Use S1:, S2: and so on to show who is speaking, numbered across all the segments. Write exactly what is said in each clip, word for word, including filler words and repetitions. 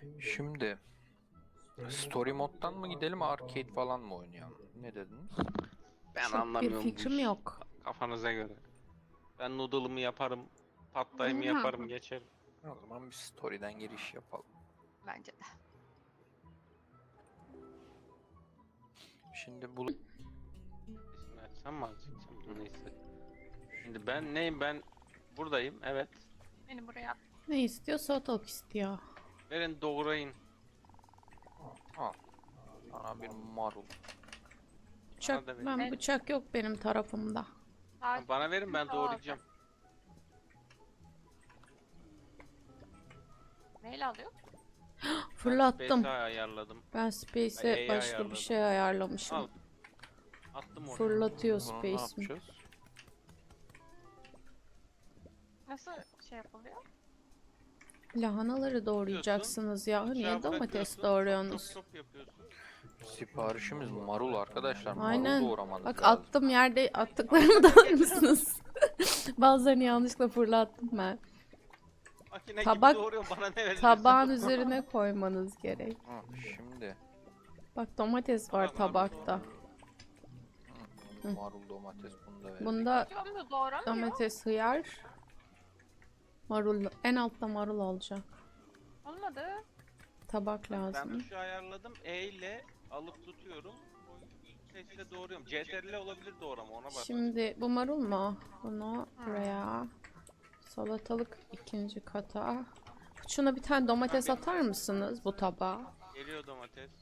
S1: Şimdi story moddan mı gidelim, arcade falan mı oynayalım? Ne dediniz?
S2: Ben
S3: Çok bir
S2: anlamıyorum bu
S3: fikrim
S2: işi.
S3: yok.
S2: Kafanıza göre. Ben noodle'ımı yaparım, patlayımı yaparım, geçerim.
S1: O zaman bir story'den giriş yapalım.
S4: Bence de.
S1: Şimdi bu
S2: İsmini açsam mı açacaksam? Dur neyse. Şimdi ben neyim ben? Buradayım, evet.
S4: Beni buraya at.
S3: Ne istiyor? Salatalık istiyor.
S2: Verin doğrayın.
S1: al. Sana bir marul.
S3: Bıçak,
S2: da verin.
S3: ben
S4: Evet.
S3: bıçak yok benim tarafımda.
S4: Daha
S2: Bana verin, ben
S4: Tamam.
S2: doğrayacağım.
S4: neyle alıyor?
S3: Fırlattım.
S2: Ben space'i ayarladım.
S3: Ben
S2: Ay,
S3: Space'e
S2: A'yı
S3: başka bir
S2: ayarladım.
S3: şey ayarlamışım.
S2: Al. Attım oraya.
S3: Fırlatıyor
S1: Bunu ne
S3: Space'im.
S1: yapacağız?
S4: Nasıl şey yapılıyor?
S3: Lahanaları doğrayacaksınız ya.
S2: Bıçağı
S3: Niye domates
S2: bırakıyorsun,
S3: doğruyorsunuz?
S2: Çop çop yapıyorsun.
S1: Siparişimiz marul arkadaşlar.
S3: Aynen.
S1: Marul doğramanız
S3: Bak
S1: lazım.
S3: attım, yerde attıklarımı da mısınız? Bazılarını yanlışlıkla fırlattım ben.
S2: Makine
S3: Tabak-
S2: gibi doğruyor, bana ne verirsin?
S3: Tabağın üzerine koymanız gerek.
S1: Ha, şimdi
S3: Bak domates var
S2: Tamam, marul
S3: tabakta.
S1: hı, marul domates bunu da verelim.
S3: Bunda
S4: Diyorum da doğramıyor.
S3: domates, hıyar, marul. En altta marul olacak.
S4: Olmadı.
S3: Tabak
S2: Ben
S3: lazım.
S2: tuşu ayarladım. E ile alıp tutuyorum. O sesle doğruyorum. C T R L olabilir doğrama, ona bak.
S3: Şimdi bu marul mu? Bunu buraya. Salatalık ikinci kata. Şuna bir tane domates atar mısınız bu tabağa?
S2: Geliyor domates.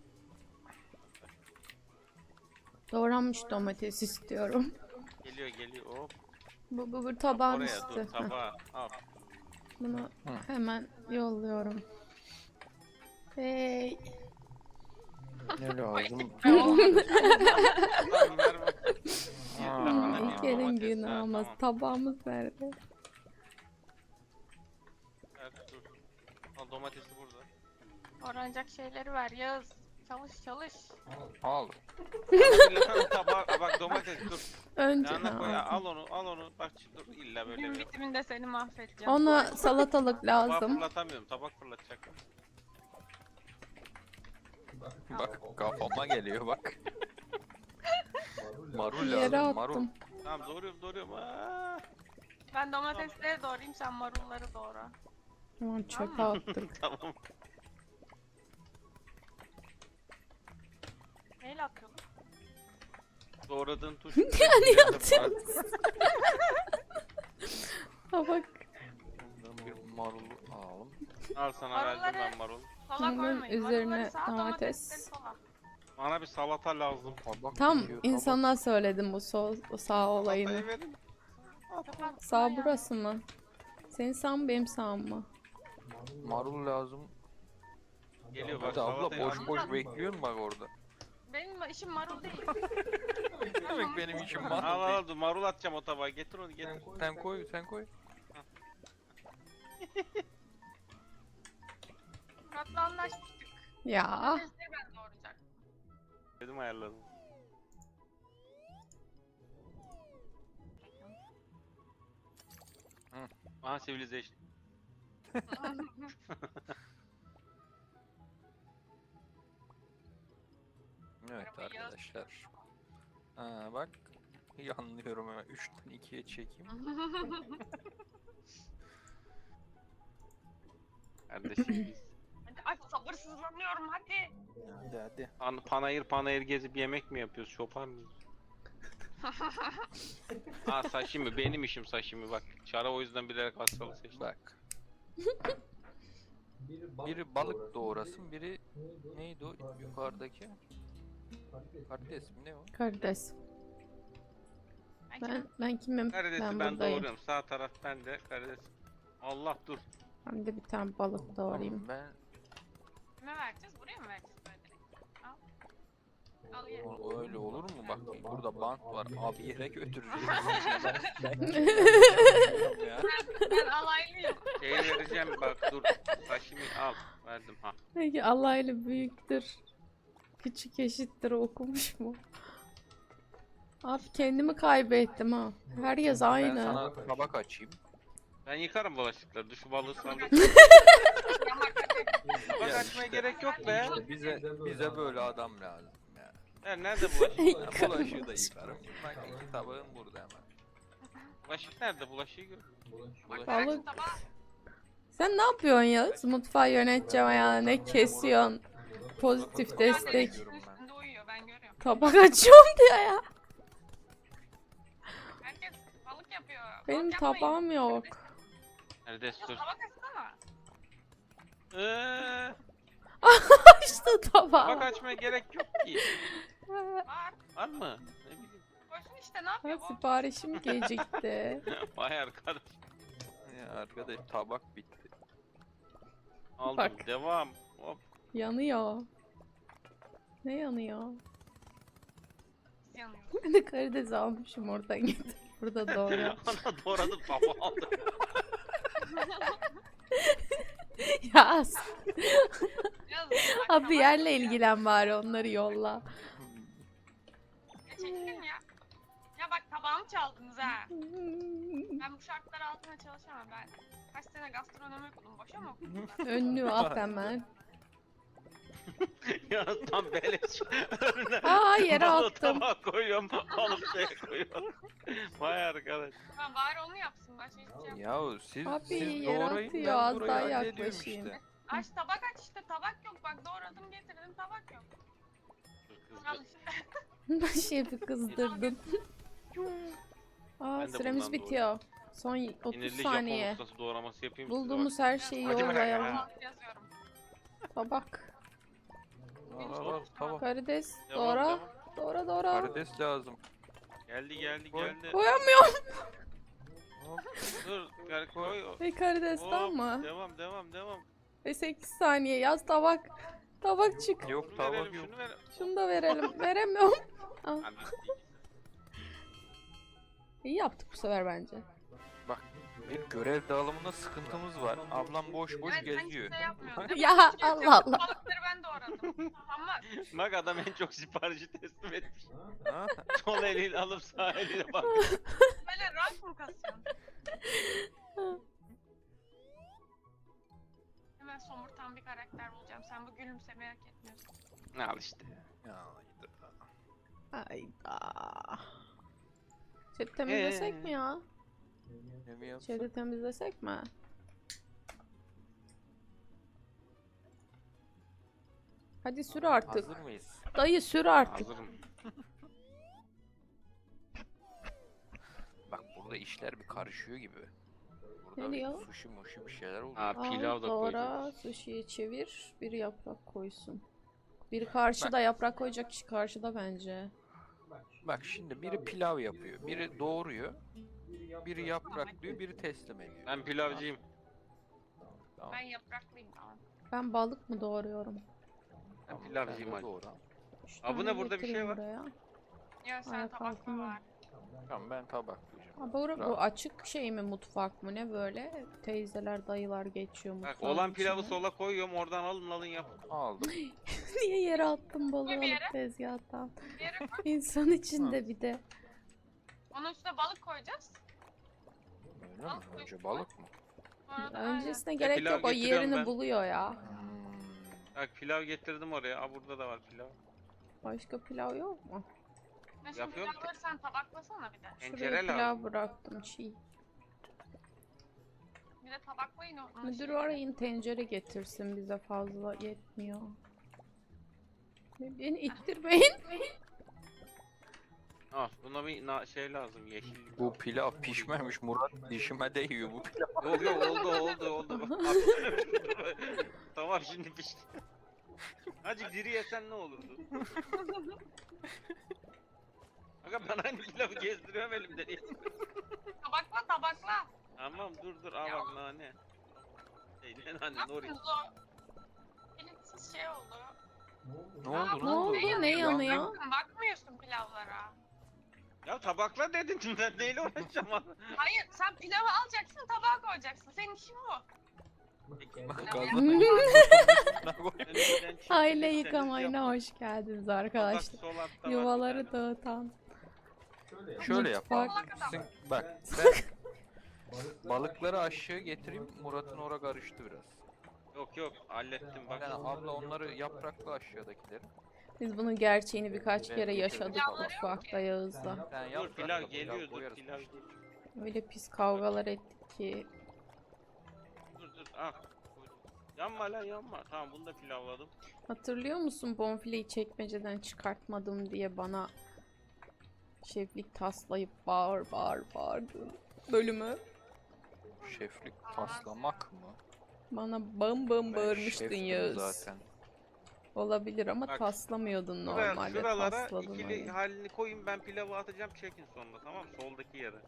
S3: Doğranmış domates istiyorum.
S2: Geliyor geliyor. Hop.
S3: Bu, bu, bu tabağın
S2: Oraya
S3: üstü.
S2: dur,
S3: Heh,
S2: tabağa. Al.
S3: bunu
S1: Hı.
S3: hemen yolluyorum. Hey.
S1: Ne lazım?
S2: Tamam, ver bak.
S1: Aa,
S2: Lahana değil,
S3: İlker'in
S2: domates.
S3: günü
S2: Ha,
S3: ama
S2: tamam.
S3: tabağımız nerede?
S2: Ver, dur. Al, domatesi burada.
S4: Doğranacak şeyleri ver Yağız. Çalış çalış.
S1: Al.
S2: Lahana tabağı, Aa, bak domates dur.
S3: Önce
S2: Lahana koy,
S3: ha,
S2: al onu, al onu. Bak dur, illa böyle
S4: Gün
S2: bir yap.
S4: bitiminde seni mahvedeceğim.
S3: ona salatalık
S2: Tabağı
S3: lazım.
S2: fırlatamıyorum, tabak fırlatacak.
S1: Bak kafama geliyor bak. Marul
S3: Yere
S1: lazım marul.
S3: attım.
S2: Tamam, doğruyorum, doğruyorum. Aa,
S4: Ben domatesleri doğrayayım, sen marulları doğra.
S3: Tamam, çöpe attık.
S2: tamam.
S4: Neyle atıyordun?
S2: Doğradığın tuş.
S3: Yani atıyorsunuz. Tabak.
S1: Buradan bir marul alalım.
S2: Al sana verdim
S4: Marulları-
S2: ben marul.
S4: Sola
S3: Bunun
S4: koymayın.
S3: üzerine
S4: Marulları sağa,
S3: domates.
S4: domatesleri sola.
S2: Bana bir salata lazım.
S1: Tabak
S3: Tam
S1: geliyor, tabak.
S3: insana söyledim bu sol, o sağ olayını.
S2: Salatayı verin.
S4: Kapat
S3: Sağ
S4: buraya.
S3: burası mı? Senin sağ mı benim sağ mı?
S1: Marul lazım.
S2: Geliyor bak
S1: Hadi abla
S2: salatayı
S1: boş
S2: al.
S1: boş bekliyorsun bak orada.
S4: Benim işim marul değil.
S1: Ne demek benim işim
S2: Al
S1: marul
S2: al
S1: değil.
S2: al dur, marul atacağım o tabağa. Getir onu getir.
S1: Sen koy sen koy.
S4: Murat'la anlaşmıştık.
S3: Ya
S4: Domatesleri ben doğrayacaktım.
S2: Dedim ayarladım.
S1: Hı.
S2: Aha Civilization.
S1: Evet
S4: Arabayı yaz.
S1: arkadaşlar. Ha bak. İyi anlıyorum hemen. üçten ikiye çekeyim.
S2: Kardeşim biz.
S4: Hadi ay sabırsızlanıyorum hadi.
S1: Hadi hadi.
S2: Pan panayır panayır gezip yemek mi yapıyoruz? Şopar mıyız? Aa sashimi, benim işim sashimi bak. Çara o yüzden bilerek hastalığı seçtim.
S1: Bak. Biri balık doğrasın, biri neydi o yukarıdaki? Karides mi ne o?
S3: karides.
S4: Ben
S3: Ben ben kimim?
S2: Karidesi
S3: Ben
S2: ben,
S3: buradayım.
S2: doğruyorum. Sağ taraf bende. Karides. Allah dur.
S3: Ben de bir tane balık doğrayayım.
S1: Ben
S4: kime vereceğiz? Buraya mı vereceğiz böyle direkt? Al. Al ye.
S1: o, öyle olur mu? Bak burada bant var. Abi yere götüreceğiz. Ya.
S4: Ben alaylıyım.
S2: Şeyi vereceğim bak dur. Sashimi al. Verdim ha.
S3: Peki Allah ile büyüktür. Küçük eşittir okumuş mu? Abi kendimi kaybettim ha. Her yaz
S1: Ben
S3: aynı.
S1: sana tabak açayım.
S2: Ben yıkarım bulaşıkları. Şu balığı sallayayım.
S4: Yamak hadi.
S2: Bak
S1: Ya
S2: açmaya
S1: işte-
S2: gerek yok be.
S1: İşte bize bize böyle adam lazım ya.
S2: Ha, nerede bulaşık?
S1: Ya bulaşığı da yıkarım. Bak iki tabağın burada hemen.
S2: Bulaşık nerede? Bulaşığı gör.
S1: Bulaşık-
S3: Balık.
S4: Tabağı
S3: Sen ne yapıyorsun ya? Mutfağı yöneteceğim ya. Ne kesiyorsun? Pozitif destek.
S4: üstünde üstünde uyuyor ben görüyorum.
S3: Tabak açıyorum diyor ya.
S4: Herkes balık yapıyor.
S3: Benim
S4: Balık yapmayın.
S3: tabağım yok.
S2: Nerede
S4: Ya
S2: dur.
S4: tabak açsana.
S2: Eee,
S3: İşte
S2: bak
S3: tabağı.
S2: açmaya gerek yok ki.
S4: Var.
S2: Var mı? Ne bileyim.
S4: Koysun işte ne yapıyor bu?
S3: Siparişim gecikti.
S2: Vay arkadaş.
S1: Ya arkadaş tabak bitti.
S2: Aldım.
S3: Bak.
S2: Devam. Hop.
S3: Yanıyor. Ne yanıyor?
S4: Yanıyor.
S3: Ben de karides almışım oradan getir. Burada doğru.
S2: Ana doğradım baba aldım.
S3: Ya
S4: Biraz
S3: abi yerle ilgilen bari onları yolla.
S4: Ya çekilin ya. Ya bak tabağımı çaldınız ha. Ben bu şartlar altında çalışamam ben. Kaç sene gastronomi okudum. Boşa mı okudum ben?
S3: Önlüğü at hemen.
S2: Ya tam beleş. Önüne
S3: Aa yere
S2: balığı
S3: attım.
S2: tabağa koyuyorum. Alıp şeye koyuyorum. Vay arkadaş.
S4: Ha, bari onu yapsın. Başka hiçbir şey yapmıyor.
S1: Yahu siz
S3: Abi,
S1: siz
S3: yer
S1: doğrayın
S3: atıyor,
S1: ben
S3: az
S1: burayı
S3: daha
S1: hallediyorum
S3: yaklaşayım.
S1: işte.
S4: Aç tabak aç işte. Tabak yok. Bak doğradım getirdim tabak yok.
S2: Dur
S4: Al
S2: kızdı.
S4: işte.
S3: Şefi kızdırdın. Aa
S2: Ben de
S3: süremiz
S2: bundan
S3: bitiyor. Son otuz
S2: Sinirli Japon
S3: saniye.
S2: ustası doğraması yapayım size
S3: Bulduğumuz
S2: bak.
S3: her şeyi
S2: Hadi bırak
S3: yollayalım.
S2: ya.
S4: Yazıyorum.
S3: Tabak.
S1: Al, al, al, tamam.
S3: Karides.
S2: Devam,
S3: Doğra.
S2: devam.
S3: Doğra doğra.
S1: Karides lazım.
S2: Geldi geldi
S1: Koy.
S2: geldi.
S3: Koyamıyorum.
S1: Hop,
S2: Dur gel koy.
S3: Ve karidesten
S2: Hop,
S3: mı?
S2: Devam devam devam.
S3: Ve sekiz saniye yaz tabak. Tabak çık.
S1: Yok
S2: Şunu
S1: tabak
S2: verelim
S1: yok.
S2: şunu verelim.
S3: Şunu da verelim. Veremiyorum.
S2: Anam.
S3: İyi yaptık bu sefer bence.
S1: Bak bir görev dağılımında sıkıntımız var. Ablam boş boş
S4: Evet, sen
S1: geziyor.
S4: hiçbir şey yapmıyorsun.
S3: Ya Allah Allah.
S4: Balıkları ben doğradım. Ama
S2: Bak adam en çok siparişi teslim etmiş.
S1: Ha?
S2: Sol eliyle alıp sağ eliyle bak.
S4: böyle rank mı kasıyorsun? Hemen somurtan bir karakter bulacağım. Sen bu gülümsemeyi hak etmiyorsun.
S2: Al işte.
S1: Ya, hayda.
S3: Hayda. Chat'i temizlesek
S2: Ee?
S3: mi ya?
S1: Ne mi yapsın?
S3: Chat'i temizlesek mi? Hadi sür artık.
S1: Hazır mıyız?
S3: Dayı sür artık.
S2: Hazırım.
S1: Bak burada işler bir karışıyor gibi.
S3: Ne
S1: Burada
S3: diyor?
S1: bir sushi muşi bir şeyler oluyor.
S2: Ha pilav da
S3: Al, doğra,
S2: koyacağız.
S3: sushi'yi çevir. Bir yaprak koysun. Biri karşıda yaprak koyacak kişi karşıda bence.
S1: Bak şimdi biri pilav yapıyor, biri doğuruyor, biri yapraklıyor, biri teslim ediyor.
S2: Ben pilavcıyım.
S1: Tamam.
S4: Ben yapraklıyım tamam.
S3: Ben balık mı doğruyorum?
S2: Ben
S1: Tamam,
S2: pilavcıyım
S1: sen de
S2: hadi.
S1: doğra.
S3: Üç
S2: Aa, bu
S3: tane
S2: ne, burada bir şey
S3: getireyim
S2: var.
S3: buraya.
S4: Ya sen
S3: Ayak
S4: tabakla
S3: altında.
S4: var.
S1: Tamam ben tabaklayacağım.
S3: Ha, bu, bu
S1: Bravo.
S3: açık şey mi mutfak mı ne böyle? Teyzeler dayılar geçiyor
S2: Bak
S3: mutfağın
S2: olan pilavı
S3: içine.
S2: sola koyuyorum oradan alın alın yapın.
S1: Aldım.
S3: Niye yere attın balığı
S4: Koy bir yere.
S3: alıp tezgahtan?
S4: Bir yere koy.
S3: İnsan içinde bir de.
S4: Onun üstüne balık koyacağız.
S1: Öyle mi? Önce balık mı?
S4: Sonra da
S3: Öncesine
S2: Ya
S3: gerek
S2: pilav
S3: yok o
S2: getiriyorum
S3: yerini
S2: ben.
S3: buluyor ya.
S1: Hmm.
S2: Bak pilav getirdim oraya. Aa burada da var pilav.
S3: Başka pilav yok mu?
S4: aynen. Şimdi
S2: Yapıyorum ki.
S4: pilavları sen tabaklasana bir de.
S2: Tencere
S3: Şuraya pilav
S2: lazım.
S3: bıraktım çiğ.
S4: Bir de tabaklayın onu.
S3: Müdür arayın tencere getirsin bize fazla yetmiyor. Beni ittirmeyin.
S2: Al buna bir na- şey lazım yeşil.
S1: Bu pilav pişmemiş Murat dişime değiyor bu pilav.
S2: Yok yok oldu oldu oldu. Bak, tamam şimdi pişti. Hacı diri yesen ne olurdu? Aga ben aynı pilavı gezdiriyorum elimde. niye?
S4: Tabakla tabakla.
S2: Tamam dur dur al bak nane. Şey ne
S4: Ne
S2: nane nori.
S4: yapıyorsunuz o? Bilinçsiz şey oldu.
S1: Ne oldu
S3: Ne oldu? Ne yanıyor?
S4: Bakmıyorsun pilavlara.
S2: Ya tabakla dedin ben neyle uğraşacağım abi?
S4: Hayır sen pilavı alacaksın tabağa koyacaksın. Senin işin bu.
S1: Bak
S4: Pilav
S1: gazla-
S2: Önümden çekilip
S3: Aile
S2: seniz
S3: yıkamayına
S2: yapın.
S3: hoş geldiniz
S2: Tabak
S3: arkadaşlar.
S2: sol altta var bir
S3: Yuvaları
S2: tane.
S3: dağıtan.
S1: Şöyle yap abi.
S3: Mutfak.
S1: Sen- bak ben Balıkları aşağı getireyim. Murat'ın ora karıştı biraz.
S2: Yok yok hallettim bak.
S1: Yani abla onları yapraklı aşağıdakileri.
S3: Biz bunun gerçeğini birkaç
S1: Ben
S3: kere
S1: getirdim
S3: yaşadık
S1: falan.
S3: mutfakta Yağız'la.
S1: Yani
S2: Dur
S1: yaprakla
S2: pilav
S1: pilav
S2: geliyor dur
S1: koyarız
S2: pilav
S1: işte.
S2: geliyor.
S3: Öyle pis kavgalar ettik ki.
S2: Dur dur ah. koydum. Yanma lan yanma. Tamam bunu da pilavladım.
S3: Hatırlıyor musun bonfileyi çekmeceden çıkartmadım diye bana şeflik taslayıp bağır bağır bağırdın bölümü.
S1: Şeflik taslamak mı?
S3: Bana bam bam
S1: Ben
S3: bağırmıştın
S1: şeftim
S3: Yağız.
S1: zaten.
S3: Olabilir ama
S2: Bak,
S3: taslamıyordun
S2: Sıra,
S3: normalde,
S2: sıralara
S3: tasladın
S2: ikili
S3: öyle.
S2: halini koyun ben pilavı atacağım çekin sonunda tamam mı? Soldaki yere.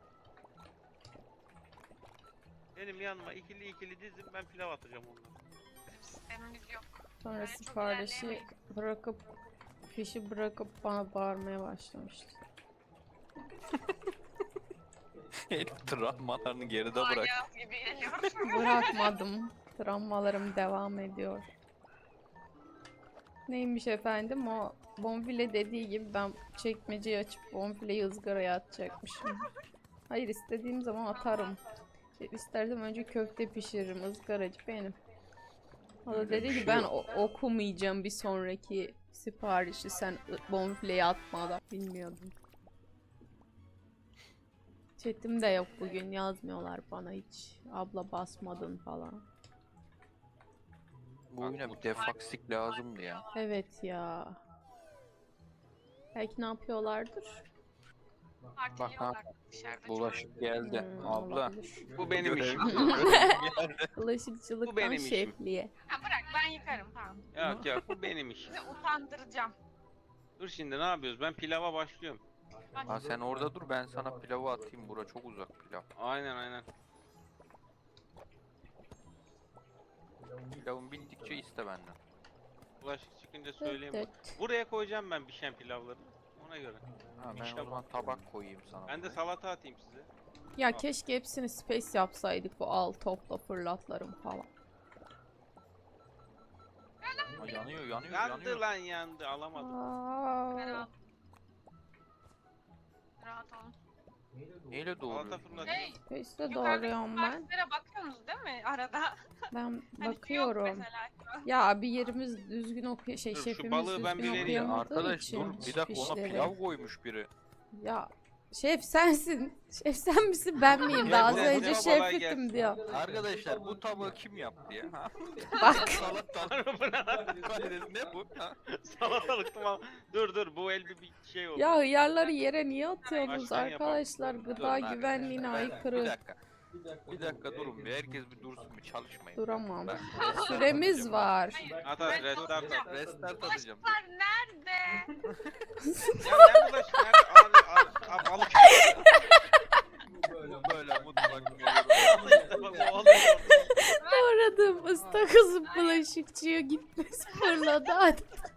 S2: Benim yanıma ikili ikili dizin ben pilav atacağım onlara.
S4: Bizim sistemimiz yok.
S3: Sonra
S4: Böyle çok
S3: siparişi
S4: ilerleyemeyiz.
S3: bırakıp fişi bırakıp bana bağırmaya başlamıştı.
S1: Travmalarını geride
S4: Aa,
S1: bırak.
S4: Yağız gibi geliyor.
S3: Bırakmadım. Travmalarım devam ediyor. Neymiş efendim, o bonfile dediği gibi ben çekmeceyi açıp bonfileyi ızgaraya atacakmışım. Hayır, istediğim zaman atarım. İstersem önce köfte pişiririm, ızgaracı benim. O da
S1: Öyle
S3: dedi
S1: bir
S3: ki
S1: şey
S3: ben
S1: yok.
S3: o- okumayacağım bir sonraki siparişi sen ı- bonfileyi atmadan. Bilmiyordum. Chatim de yok bugün, yazmıyorlar bana hiç. Abla basmadın falan.
S1: Bu oyuna bir defaksik lazımdı ya.
S3: Evet ya. Belki ne yapıyorlardır?
S4: Partiliyorlar dışarıda.
S1: Bulaşık geldi.
S3: Hmm,
S1: Abla.
S3: olabilir.
S2: Bu benim
S1: Görev-
S2: işim.
S1: geldi.
S2: Bu
S3: Bulaşıkçılıktan
S2: benim işim.
S3: şefliğe.
S4: Ha, bırak ben yıkarım tamam.
S2: Yok yok bu benim işim.
S4: Sizi utandıracağım.
S2: Dur şimdi ne yapıyoruz? Ben pilava başlıyorum.
S4: Bak,
S1: Ha sen orada dur, ben sana pilavı atayım. Bura çok uzak pilav.
S2: Aynen aynen.
S1: Pilavın bittikçe iste benden.
S2: Bulaşık çıkınca söyleyeyim.
S3: Evet.
S2: Buraya koyacağım ben pişen pilavları. Ona göre.
S1: Ha ben
S2: İşte
S1: o zaman tabak koyayım sana.
S2: Ben de
S1: buraya.
S2: salata atayım size.
S3: Ya keşke hepsini space yapsaydık, bu al topla fırlatlarım falan.
S1: Ha, yanıyor yanıyor
S2: Yandı
S1: yanıyor.
S2: lan yandı alamadım.
S4: ben
S3: Aa,
S4: al. Rahat olun.
S1: Neyle
S2: Salata
S1: doğruyor?
S2: fırlatayım.
S4: Hey,
S3: space'de
S4: yukarıdaki
S3: doğruyorum ben.
S4: siparişlere bakıyorsunuz değil mi arada?
S3: Ben
S4: Hani şu yok
S3: bakıyorum.
S4: mesela şu an.
S3: Ya bir yerimiz düzgün okuyor, şey
S2: Dur, şu
S3: şefimiz
S2: balığı ben
S3: düzgün
S2: bir vereyim.
S3: okuyamadığı
S1: Arkadaş
S3: için
S1: dur bir dakika, ona
S3: fişleri.
S1: pilav koymuş biri.
S3: Ya şef sensin. Şef sen misin ben miyim? Daha az
S2: Gel,
S3: önce
S2: gel, kolay
S3: şeftim diyor.
S1: Arkadaşlar bu tabağı kim yaptı ya? Ha?
S3: Bak.
S1: Salata. Hayır, ne bu? Ha?
S2: Salatalık tamam. Dur dur bu el bir, bir şey oldu.
S3: Ya hıyarları yere niye atıyorsunuz
S2: Baştan yapalım.
S3: arkadaşlar?
S1: Dur,
S3: Gıda
S1: ben-
S3: güvenliğine
S1: ben- Bir
S3: aykırı.
S1: dakika. Bir dakika durun bir, herkes bir dursun bir, çalışmayın.
S3: Duramam.
S1: Ben
S3: Süremiz
S1: atacağım.
S3: var.
S4: Hayır.
S2: At at restart at.
S1: Restart atacağım.
S4: Bulaşıklar nerede?
S2: Ya ne bulaşık nerede? Abi abi abi balık.
S1: Böyle mutfak
S2: Bak, o alıyor.
S3: Doğradım ıstakozun bulaşıkçıya gitmesi fırladı. Hadi.